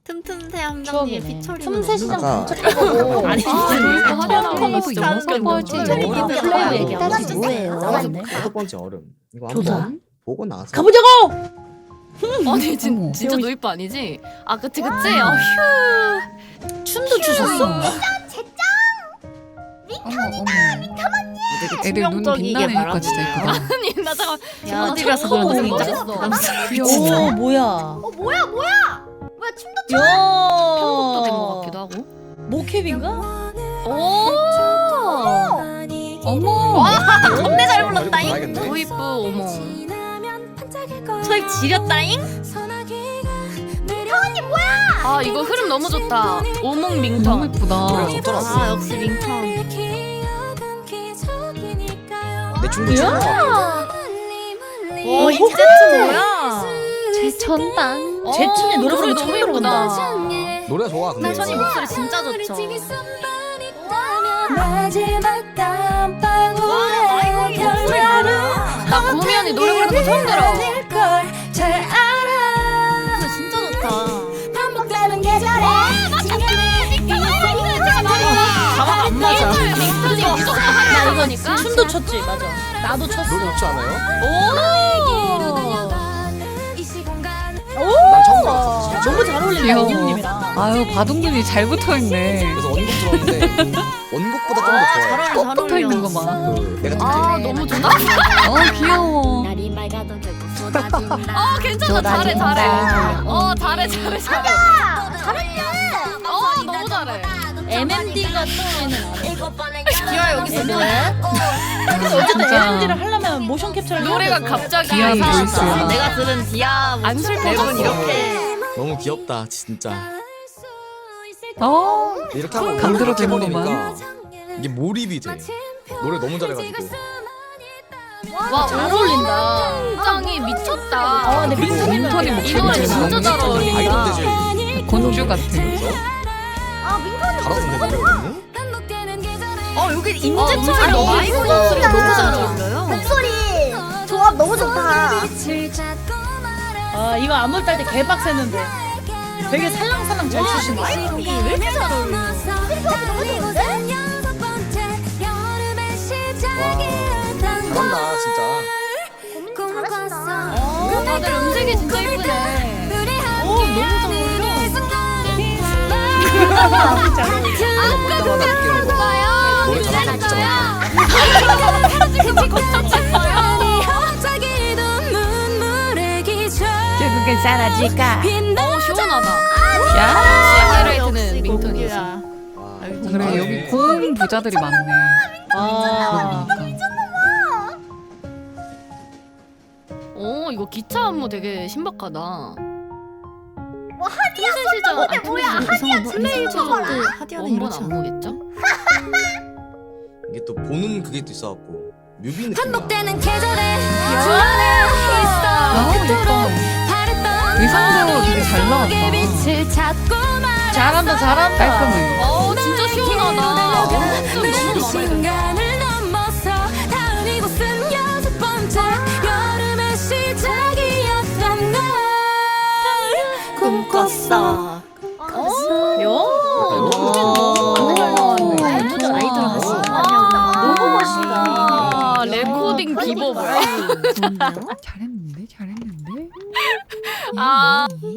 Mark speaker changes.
Speaker 1: 틈틈새 함장님 피처링
Speaker 2: 틈새 시장
Speaker 3: 아까-
Speaker 2: 검색해보고
Speaker 1: 아니
Speaker 2: 플레이 얘기하지 뭐예요?
Speaker 3: 다섯 번째 얼음. 이거
Speaker 2: 조선?
Speaker 3: 한번 보고 나서
Speaker 2: 가보자고!
Speaker 1: 아니 진짜 노이빠 아니지? 아 그치
Speaker 2: 아.
Speaker 1: 휴
Speaker 2: 춤도 추셨어?
Speaker 1: 되게
Speaker 4: 애들 눈
Speaker 1: 치명적이게
Speaker 4: 빛나니까 진짜 이쁘다.
Speaker 1: 아니 나 잠깐
Speaker 2: 야,
Speaker 1: 어디라서
Speaker 2: 저거
Speaker 1: 그런지
Speaker 2: 너무
Speaker 1: 진짜
Speaker 2: 멋있어.
Speaker 1: 귀여워
Speaker 2: 오 뭐야?
Speaker 5: 뭐야 춤도
Speaker 2: 야
Speaker 1: 편곡도 된 것 같기도 하고
Speaker 2: 모캡인가?
Speaker 1: 오
Speaker 4: 어머.
Speaker 1: 겁내 잘
Speaker 3: 얼음
Speaker 1: 불렀다잉
Speaker 3: 봐야겠네.
Speaker 1: 도이프 어머
Speaker 5: 저희 지렸다잉?
Speaker 1: 아 이거 흐름 너무 좋다 오목
Speaker 4: 너무
Speaker 1: 밍턴
Speaker 4: 예쁘다.
Speaker 3: 노래가 좋더라고.
Speaker 1: 아 역시 밍턴
Speaker 3: 내 춤도 추는 거 같아.
Speaker 1: 와 이 세트 뭐야
Speaker 4: 최천당.
Speaker 2: 제춘이 노래 부르는 거
Speaker 1: 너무
Speaker 2: 처음
Speaker 1: 예쁘다
Speaker 2: 들어본다.
Speaker 3: 노래가 좋아 근데.
Speaker 1: 천이 목소리 진짜 좋죠
Speaker 5: 마지막 깜빡
Speaker 1: 와 이거 목소리 뭐야 나 구미 언니 노래 부르는 거 처음 들어
Speaker 5: 잘 알아
Speaker 1: 목소리 진짜 좋다
Speaker 5: 반복되는 계절에
Speaker 1: 가방 안 맞아 밍턴이 무조건 하는 거니까
Speaker 2: 춤도 췄지 맞아. 나도 췄어.
Speaker 3: 노래 좋지 않아요?
Speaker 1: 오
Speaker 3: 난 처음 들어봤어. 진짜.
Speaker 2: 너무 잘 어울린다
Speaker 4: 귀여워.
Speaker 2: 이님이랑.
Speaker 4: 아유 바둥근이 잘 붙어있네.
Speaker 3: 그래서 원곡 들었는데 원곡보다 좀 더 좋아요.
Speaker 4: 꼭 붙어있는 거 봐.
Speaker 3: 그 내가
Speaker 1: 아 너무 좋다
Speaker 4: 귀여워.
Speaker 5: 날이 맑아도 결국 쏟아진다
Speaker 1: 아 괜찮아 잘해 잘해 잘해 너무 잘해
Speaker 2: MMD가 떠오르는
Speaker 1: 기아 여기서 뭐해?
Speaker 2: 어쨌든
Speaker 4: 진짜.
Speaker 2: MMD를 하려면 모션 캡처를 해야
Speaker 1: 노래가
Speaker 2: 돼서.
Speaker 1: 갑자기
Speaker 4: 디아는
Speaker 1: 이상하다.
Speaker 4: 보이스야.
Speaker 1: 내가 들은 디아
Speaker 4: 안 슬퍼졌어.
Speaker 1: 랩은 이렇게
Speaker 3: 너무 귀엽다 진짜. 이렇게 하고
Speaker 4: 강제로
Speaker 3: 이렇게
Speaker 4: 되는구만.
Speaker 3: 해버리니까 이게 몰입이 돼. 노래 너무 잘해가지고.
Speaker 1: 와
Speaker 2: 잘 어울린다.
Speaker 1: 짱이 미쳤다
Speaker 2: 아 근데
Speaker 3: 그리고
Speaker 2: 민턴이
Speaker 4: 민턴이
Speaker 1: 이 노래 진짜 잘 어울린다
Speaker 3: 아이돌 대제
Speaker 4: 곤주 같아.
Speaker 3: 잘하던데 노래 언니?
Speaker 5: 여기
Speaker 1: 인재철 너무 마이크 목소리가 너무 잘 어울려요
Speaker 5: 목소리 조합 너무 좋다
Speaker 2: 아 이거 안무 딸 때 개빡세는데 되게 살랑살랑 잘 추신다.
Speaker 5: 왜 이렇게 잘 어울려 너무 좋은데?
Speaker 3: 잘한다 진짜.
Speaker 1: 다들 음색이 진짜 예쁘네
Speaker 2: 너무 잘 어울려.
Speaker 3: 아까 느끼는 거. 노래 잘한다 진짜 많다.
Speaker 4: 결국엔 사라질까?
Speaker 1: 시원하다
Speaker 4: 야.
Speaker 1: 하이라이트는 민턴이지
Speaker 3: 와,
Speaker 4: 그래 여기 고음 부자들이 많네.
Speaker 2: 아
Speaker 4: 그러니까.
Speaker 1: 오 이거 기차 안무 되게 신박하다 와
Speaker 5: 하디야
Speaker 1: 시장
Speaker 5: 어때 뭐야 하디야 플레이 봐봐라
Speaker 1: 하디아는 이렇지 안무겠죠?
Speaker 3: 이게 또 보는 그게 또 있어갖고 뮤비 느낌이야.
Speaker 5: 반복되는 계절에
Speaker 4: 아 예뻐. 의상도 되게 잘 나왔다.
Speaker 2: 잘한다 잘한다.
Speaker 4: 깔끔해.
Speaker 1: 어 진짜 시원하다
Speaker 3: 근데
Speaker 1: 너무 마음에 들어
Speaker 5: 시간을 넘어서 다음 이곳은 여섯 번째 여름의 시작이었던 걸 꿈꿨어
Speaker 2: 너무 멋있다.
Speaker 1: 아 레코딩 비버 뭐야
Speaker 4: 잘했는데 잘했는데.
Speaker 1: 아